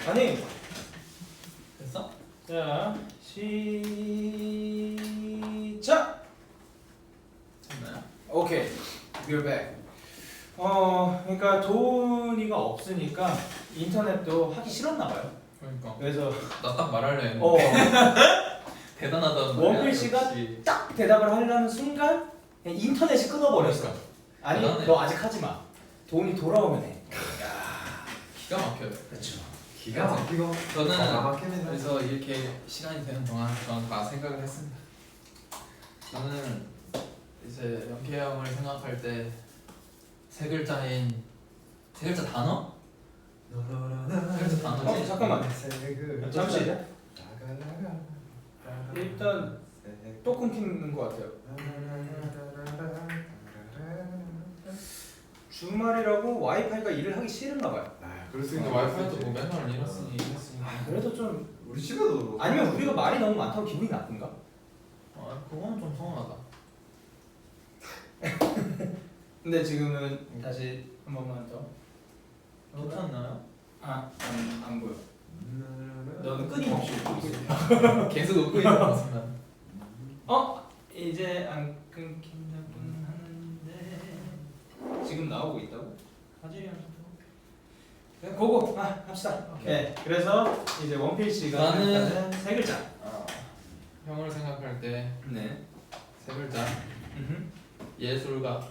아니 됐어? 자 시작. 됐나요? 오케이. We're back. 그러니까 돈이가 없으니까 인터넷도 하기 싫었나 봐요. 그러니까 그래서 나 딱 말하려 했는데 대단하다는 원필씨가 역시. 딱 대답을 하려는 순간 그냥 인터넷이 끊어버렸어. 아니 대단해. 너 아직 하지 마. 돈이 돌아오면 해. 야, 기가 막혀요. 그렇죠. 기가 막히고 저는 기가 막히네. 그래서 이렇게 시간이 되는 동안 저는 다 생각을 했습니다. 저는 이제 영케 형을 생각할 때 세 글자인 세 글자 단어? 세 글자 단어지? 잠깐만. 색을 잠시. 나가라가. 일단 또 끊기는 것 같아요. 주말이라고 와이파이가 일을 하기 싫은가 봐요. 아, 그럴 수 근데 있는 와이파이도 뭐 맨날 이랬으니까. 그래도 좀 우리 집에도 아니면 우리가 말이 너무 많다고 기분이 나쁜가? 그건 좀 서운하다. 근데 지금은 다시 한 번만 더. 괜찮나요? 안 보여. 너는 끊임없이 웃고 있어. 계속 웃고 있는 것 같습니다. 이제 안 끊긴다고는 하는데 지금 나오고 있다고? 화질이 안 좋다고? 그냥 고고 합시다. 네, 그래서 이제 원필씨가 나는- 일단은 세 글자. 형을 생각할 때 네. 세 글자 예술가.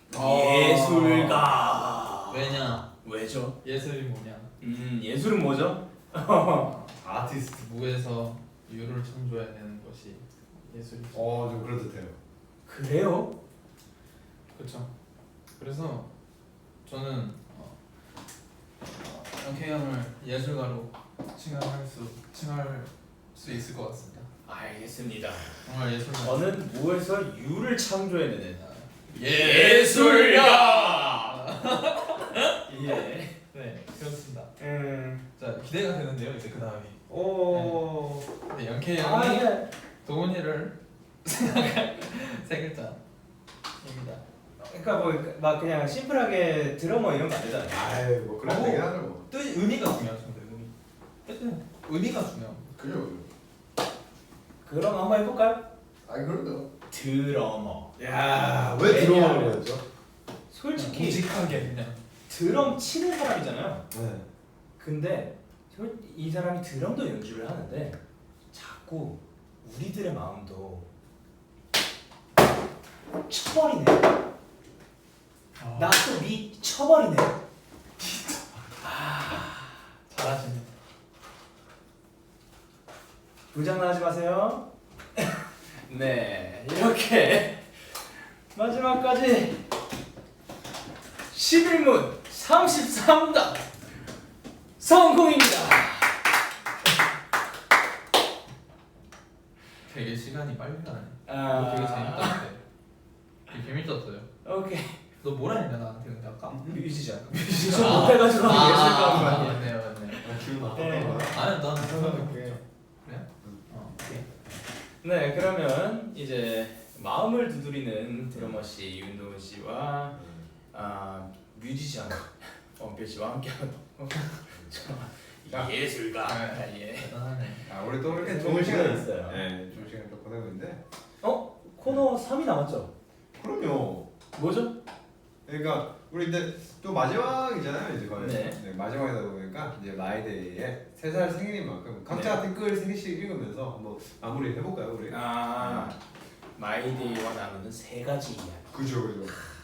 예술가. 왜냐? 왜죠? 예술이 뭐냐? 예술은 뭐죠? 아티스트. 무에서 유를 창조해내는 것이 예술이죠. 좀 그래도 돼요. 그래요? 그렇죠. 그래서 저는 영케이 형을 예술가로 칭할 수 있을 것 같습니다. 알겠습니다. 정말 예술가. 저는 무에서 유를 창조해내는 예술가. 예. 네, 그렇습니다. 자, 기대가 되는데요. 이제 그 다음이. 오. 네, 영케이 형이 네. 도훈이를 생각할 세 글자입니다. 그러니까 뭐 막 그냥 심플하게 드러머 이런 거 안 되잖아요. 아이 뭐 그래도 되긴 하죠 뭐. 뜻 의미가 중요하죠. 의미가 중요. 그죠. 그럼 한번 해볼까요? 그럼요. 드러머. 왜 들어오는 거였죠? 솔직히 묵직하게 그냥. 드럼 치는 사람이잖아요. 네. 근데 이 사람이 드럼도 연주를 하는데 자꾸 우리들의 마음도 쳐버리네. 나 또 미쳐버리네. 잘하시네. 부장난하지 마세요. 네, 이렇게 마지막까지 11문 33답 성공입니다. 되게 시간이 빨리 가네. 아. 되게 재밌던데. 되게 재밌었어요. 오케이. 너 뭐라 했냐 나한테 근데 아까? 뮤지션. 뮤지션 못해가지고 예술가인 거 아니에요? 맞네요, 맞네요. 기분 네. 나빴던 거야? 아니 난 오케이. 그래? 오케이. 네, 그러면 이제 마음을 두드리는 드러머 씨 윤도훈 씨와 뮤지션 원필 씨와 함께하는 예술가. 예. 대단하네. 우리 또 이렇게 좋은 시간이 있어요. 네, 좋은 시간 좀 보내고 있는데. 코너 3이 남았죠? 그럼요. 뭐죠? 그러니까 우리 이제 또 마지막이잖아요 이제 거의. 네. 마지막이다 보니까 이제 마이데이에 3살 생일인 만큼 각자 댓글 3개씩 읽으면서 한번 마무리 해볼까요 우리? 마이데이와 나누는 세 가지 이야기. 그죠.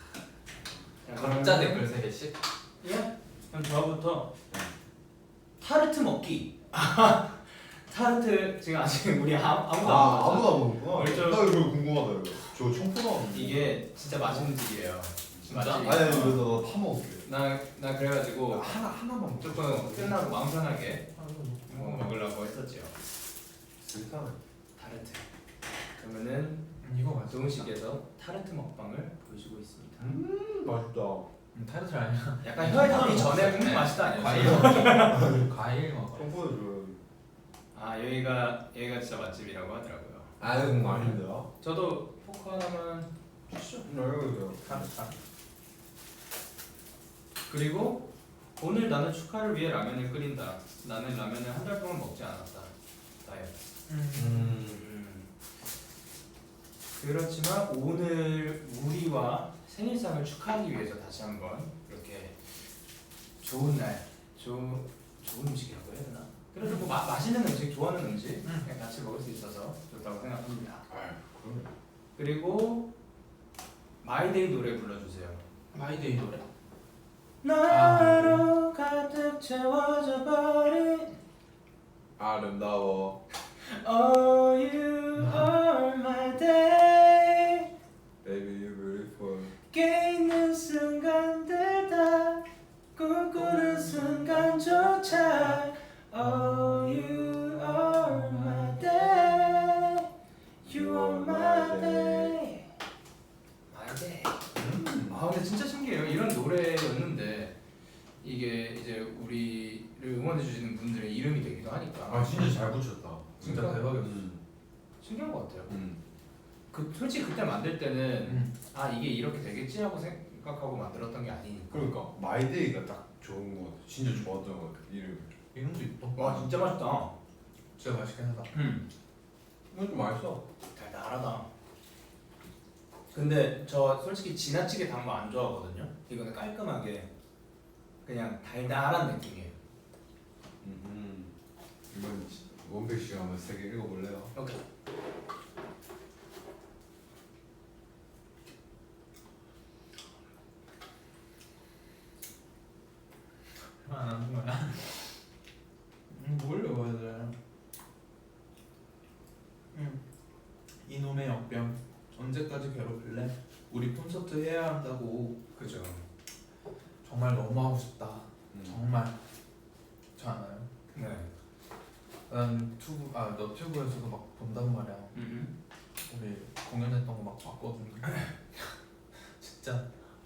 각자 댓글 3개씩? 예? 그럼 저부터 타르트 먹기. 타르트 지금 아직 우리 아무도 안 먹었죠? 아무도 안 먹는구나. 우리 나 이거 궁금하다 이거. 저 청포도 안 먹는. 이게 진짜 맛있는 집이에요. 진짜? 맛집. 아니 이거 나 타먹을게. 나 그래가지고 하나만 먹자. 조금 끝나고 마음 편하게 먹으려고 했었죠. 일단 타르트. 그러면은 이거 맞아. 도훈 씨께서 타르트 먹방을 보여주고 있습니다. 맛있다. 타르트 아니야. 약간 혀에 닿기 전에 맛있다 아니에요? 과일. 과일 먹어. 청포도 줘요. 여기가 진짜 맛집이라고 하더라고요. 아닌데요? 저도 포크 하나만 주시죠. 이거 타르트. 그리고 오늘 나는 축하를 위해 라면을 끓인다. 나는 라면을 한 달 동안 먹지 않았다. 다이어트. 그렇지만 오늘 우리와 생일상을 축하하기 위해서 다시 한번 이렇게 좋은 날, 좋은 음식이라고 해야 되나? 그래도 뭐 맛있는 음식, 좋아하는 음식 그냥 같이 먹을 수 있어서 좋다고 생각합니다. 그리고 마이데이 노래 불러주세요. 마이데이 노래. 나로 가득 채워져 버린 아름다워 Oh you are my day. Baby you're beautiful 깨 있는 순간들 다 꿈꾸는 순간조차 Oh you are my day. You are my day. My day. 아 근데 진짜 신기해요. 이런 노래였는데 이게 이제 우리를 응원해 주시는 분들의 이름이 되기도 하니까 아 진짜 잘 붙였다 진짜 대박이었어. 신기한 것 같아요. 그 솔직히 그때 만들 때는 아 이게 이렇게 되겠지 하고 생각하고 만들었던 게 아니니까. 그러니까 마이데이가 딱 좋은 거 같아 진짜 좋았던 거 같아 이름 이름도 이뻐. 와 진짜 맛있다. 진짜 맛있긴 하다. 이건 좀 맛있어 달달하다. 근데 저 솔직히 지나치게 단 거 안 좋아하거든요. 이거는 깔끔하게 그냥 달달한 느낌이에요. 이건 원필씨가 한번 세 개 읽어볼래요? 오케이. 안 하는 거야. 뭘 읽어야 돼? 이놈의 역병. 언제까지 괴롭힐래? 우리 콘서트 해야 한다고. 그죠. 정말 너무 하고 싶다. 정말. 그렇지 않아요? 네. 난 너튜브에서도 막 본단 말이야. 우리 공연했던 거 막 봤거든. 진짜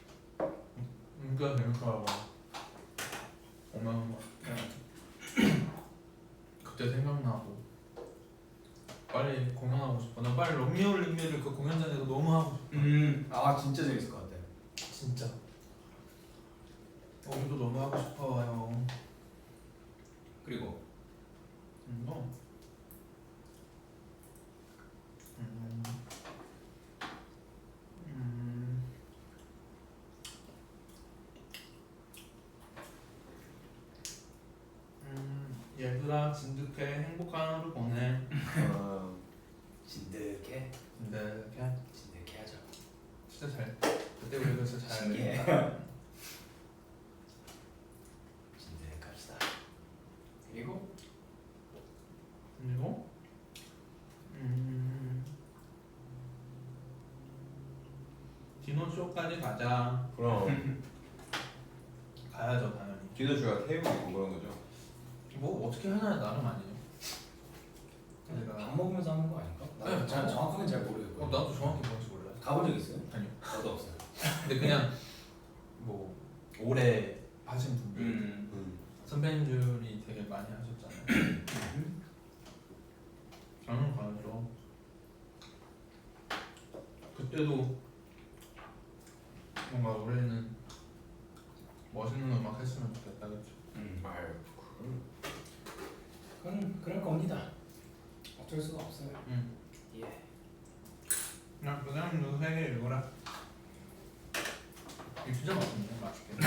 진짜 재밌더라고. 보면 막 그때 생각나고 빨리 공연하고 싶어. 나 빨리 로미오 링미를 그 공연장에서 너무 하고 싶어. 아 진짜 재밌을 것 같아요. 진짜. 우리도 너무 하고 싶어요. 그리고 너. 얘들아 진득해 행복한 하루 보내. 진득해. 진득해 하죠. 진짜 잘. 그때 우리가 진짜 잘. 신기해. 진득합시다. 그리고 디노쇼까지 가자. 그럼 가야죠 당연히. 디너쇼가 테이블 있고 그런 거죠? 뭐 어떻게 하냐 나름 아니에요. 밥 먹으면서 하는 거 아닌가? 네, 나는 정확하게 잘 모르겠고. 나도 정확히 뭔지 몰라요. 가본 적 있어요? 아니요. 저도 없어요. 근데 그냥 뭐 오래 하신 분들 선배님들이 되게 많이 하셨잖아요. 저는 가야죠. 그때도 뭔가 올해는 멋있는 음악 했으면 좋겠다, 그렇죠? 아유 그럴 겁니다. 어쩔 수가 없어요. 예. 야, 그 사람도 3개 읽어라. 이거 진짜 맛있네, 맛있게.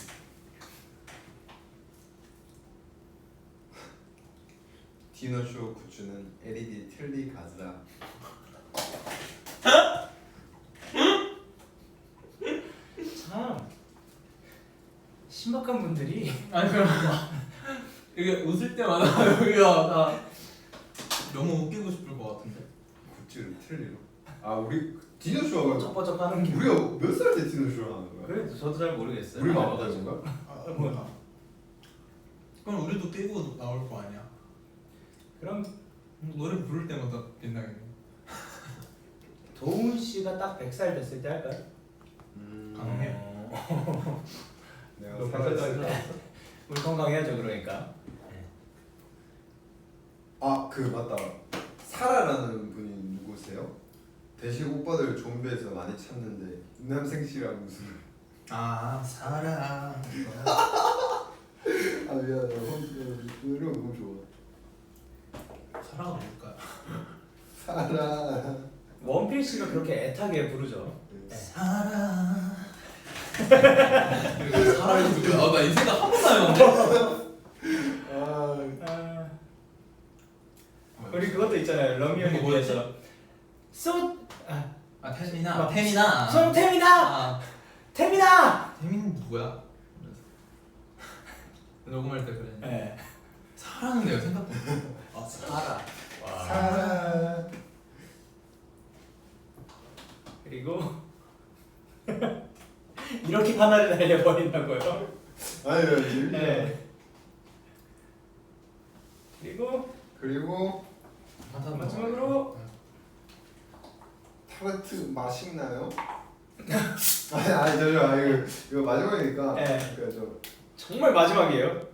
디너쇼 굿즈는 LED 틀리 가즈다 참 신박한 분들이 아니 그럼 이게 웃을 때마다 여기가 나 너무 웃기고 싶을 것 같은데. 굿즈를 틀리로 아 우리 디너쇼가 쩍버쩍하는 게. 우리가 몇 살 때 디너쇼를 하는 거야? 그래 저도 잘 모르겠어요. 우리 마마다 건가? 몰라. 그럼 우리도 끼고 나올 거 아니야. 그럼 노래 부를 때마다 빛나겠네. 도훈 씨가 딱 100살 됐을 때 할까요? 가능해. 내가 너 살아있어 우리 건강해야죠 그러니까. 아그 맞다 사라라는 분이 누구세요? 대식 오빠들 좀비에서 많이 찾는데 남생 씨랑 무슨 아 사랑. 아 미안해. 이런 거 너무 좋아. 사랑은 뭘까요? 사랑. 원필씨가 그렇게 애타게 부르죠. 사랑. 사랑이 누구야? 나 이 생각 한 번도 안 해봤는데. 우리 그것도 있잖아요. 러미언이 그거 뭐였지? 위해서 소 아 태민아. 태민아. 송태민아 아 태민아. 태민 누구야? 녹음할 때 그래. 네. 사랑은 내가 생각도 못해. 아 사랑. 사랑. 그리고 이렇게 하나를 날려버린다고요. 아니요 재밌네. 네. 그리고 마지막으로 타르트 맛있나요? 아니 잠시만 이거 마지막이니까. 네. 그러니까 정말 마지막이에요.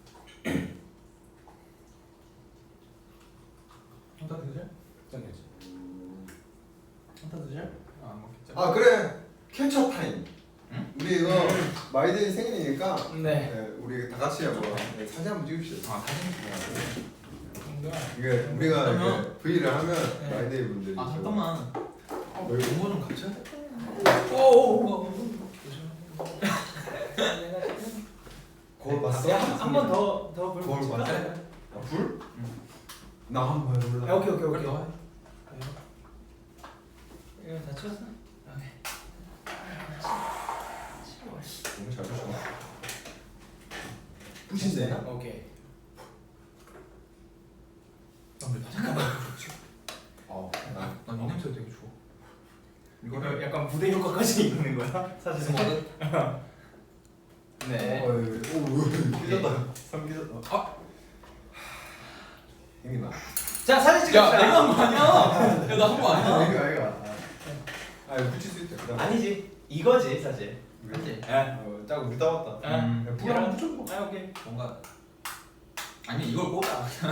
한타 드실? 정해지. 한타 드실? 안 먹겠죠? 아 그래 캡처 타임. 응? 우리 이거 마이데이 생일이니까 네. 우리 다 같이 한번 사진 한번 찍읍시다. 아 사진 이게 우리가 그러면- 이렇게 V를 하면 네. 마이데이 분들이 아 잠깐만. 왜? 공부 좀 같이 해? 오오오. 거울 봤어? 한번 더 불 거울 붙일까? 봤어? 아, 불? 나 한번 해볼래. 아, 오케이. 빨리 너 해. 이거 다 쳤어? 너무 잘 보시네. 부신데? 오케이. 나왜 잠깐만. 나 난이 냄새 되게 좋아. 이거 약간 무대 효과까지 있는 거야? 사실. 네. 오, 삐졌다. 삼 삐졌다. 아. 힘이 나. 자 사진 야 찍읍시다. 내가 한 거 아니야? 야 나 한 거 아니야? 이거. 아 이거 붙일 수 있다. 그다음에. 아니지. 이거지 사실. 그치? 짝 우리 따왔다. 불 한번 붙여줘. 아 오케이. 뭔가 아니 이걸 꽂아.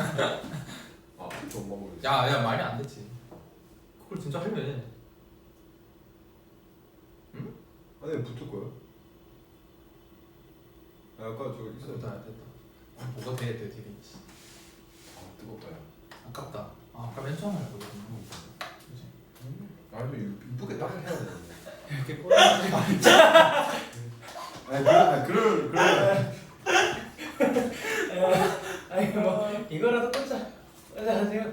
좀 먹어. 야 말이 안 됐지. 그걸 진짜 할래. 아니 붙을 거야? 아까 저거 있어. 됐다. 뭐가 돼 되게 있지. 뜨겁다. 야. 아깝다. 아까 맨 처음에 할 거거든. 그지? 아니 이쁘게 딱 해야 되는데. 이렇게 꼬라. 아니 그럴. 아니 뭐 이거라도 꽂자. 하세요.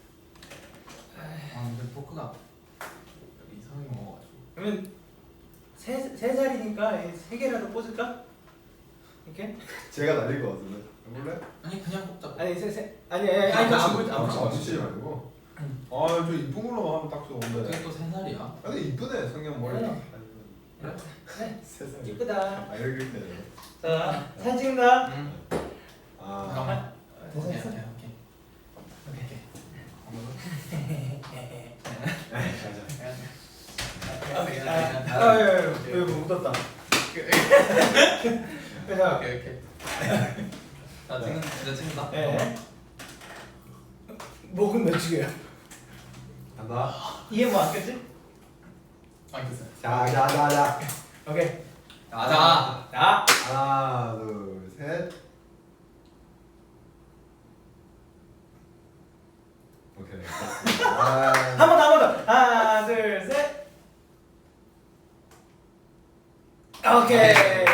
아 근데 포크가 이상하게 먹어가지고. 그러면 세 살이니까 세 개라도 꽂을까? 이렇게? 제가 날릴 것 같은데. 해볼래? 아니 그냥 꼽자. 아니 아니 안 붙이지 말고. 아저 이쁜 걸로 하면 딱 좋은데. 어떻게 또 3살이야? 근데 이쁘네 성형 머리. 네. 그래? 네. 세상. 이쁘다. 아 여기 있네. 자 사진 찍는다. 응. 아. 잠깐만. 됐어 됐어. 왜 묻었다. 그냥 오케이. 나 진짜 찍는다. 예. 목은 며칠이에요? 간다. 이해 뭐 안 깼지? 알겠어. 자. 오케이. 가자. 자. 하나 둘 셋. 오케이. 한 번 더. 하나, 둘, 셋. 오케이.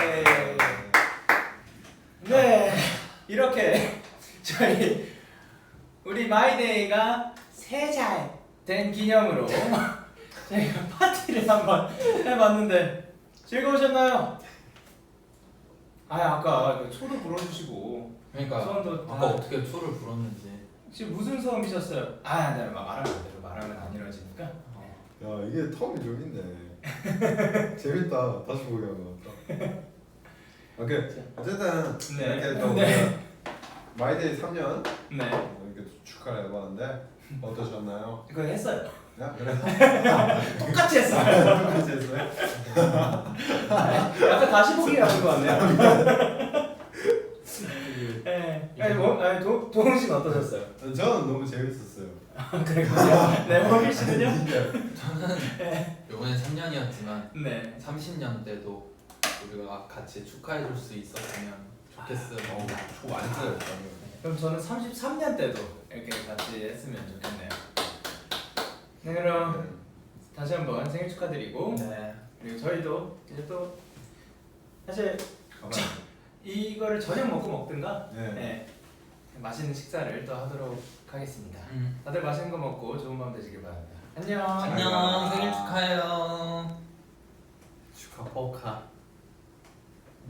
네. 이렇게 저희 우리 마이데이가 3살 된 기념으로 저희가 파티를 한번 해봤는데 즐거우셨나요? 아까 초도 불어주시고 그러니까 소원도 아까 어떻게 초를 불었는지. 지금 무슨 소원이셨어요? 내가 말하면 안 되고 말하면 안 이루어지니까. 야 이게 텀이 좀 있네. 재밌다. 다시 보기 한번. 오케이. 어쨌든 네. 이렇게 또 네. 마이데이 3년 네. 이렇게 축하를 해봤는데 어떠셨나요? 그거 했어요. 야 그래. 똑같이 했어요. 똑같이 했어요? 약간 다시 보기라는 거 같네요. 네. 도훈 씨는 어떠셨어요? 저는 너무 재밌었어요. 그랬군요. 네, 호길 씨는요? 저는 이번에 3년이었지만 네. 30년 때도 우리가 같이 축하해줄 수 있었으면 좋겠어요. 초 많이 써요. 그럼 저는 33년 때도 이렇게 같이 했으면 좋겠네요. 네, 그럼 다시 한번 생일 축하드리고 네. 그리고 저희도 이제 또 사실 가봐요. 이거를 저녁 먹고 먹든가 네. 네, 맛있는 식사를 또 하도록 하겠습니다. 다들 맛있는 거 먹고 좋은 밤 되시길 바랍니다. 안녕. 안녕. 생일 축하해요. 축하. 오카.